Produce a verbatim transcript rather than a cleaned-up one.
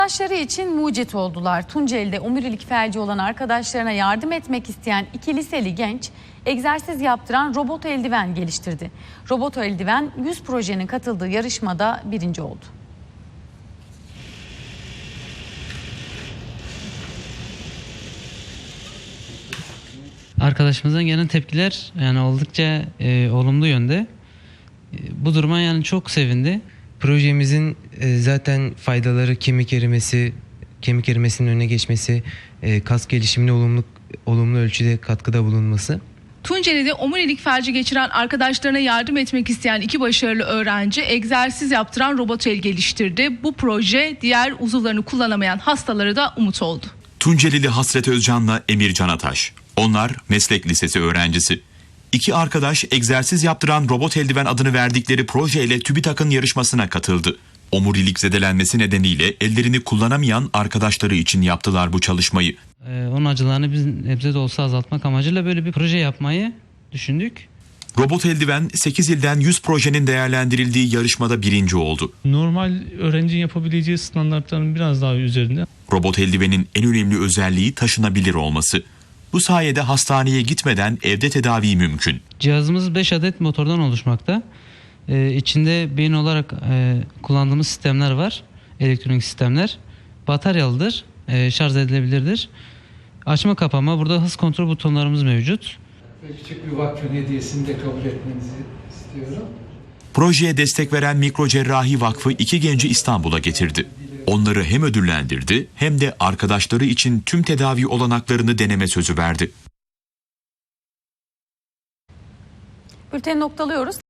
Arkadaşları için mucit oldular. Tunceli'de omurilik felci olan arkadaşlarına yardım etmek isteyen iki liseli genç egzersiz yaptıran robot eldiven geliştirdi. Robot eldiven yüz projenin katıldığı yarışmada birinci oldu. Arkadaşımızdan gelen tepkiler yani oldukça e, olumlu yönde. E, bu duruma yani çok sevindi. Projemizin e, zaten faydaları kemik erimesi, kemik erimesinin önüne geçmesi, e, kas gelişimine olumlu olumlu ölçüde katkıda bulunması. Tunceli'de omurilik felci geçiren arkadaşlarına yardım etmek isteyen iki başarılı öğrenci egzersiz yaptıran robot el geliştirdi. Bu proje diğer uzuvlarını kullanamayan hastalara da umut oldu. Tuncelili Hasret Özcan'la Emir Canataş. Onlar meslek lisesi öğrencisi. İki arkadaş egzersiz yaptıran robot eldiven adını verdikleri projeyle TÜBİTAK'ın yarışmasına katıldı. Omurilik zedelenmesi nedeniyle ellerini kullanamayan arkadaşları için yaptılar bu çalışmayı. E, onun acılarını biz nebze de olsa azaltmak amacıyla böyle bir proje yapmayı düşündük. Robot eldiven sekiz ilden yüz projenin değerlendirildiği yarışmada birinci oldu. Normal öğrencinin yapabileceği standartların biraz daha üzerinde. Robot eldivenin en önemli özelliği taşınabilir olması. Bu sayede hastaneye gitmeden evde tedavi mümkün. Cihazımız beş adet motordan oluşmakta. E, içinde beyin olarak e, kullandığımız sistemler var. Elektronik sistemler. Bataryalıdır. E, şarj edilebilirdir. Açma kapama, burada hız kontrol butonlarımız mevcut. Küçük bir vakfın hediyesini de kabul etmenizi istiyorum. Projeye destek veren Mikrocerrahi Vakfı iki genci İstanbul'a getirdi. Onları hem ödüllendirdi hem de arkadaşları için tüm tedavi olanaklarını deneme sözü verdi. Bülteni noktalıyoruz.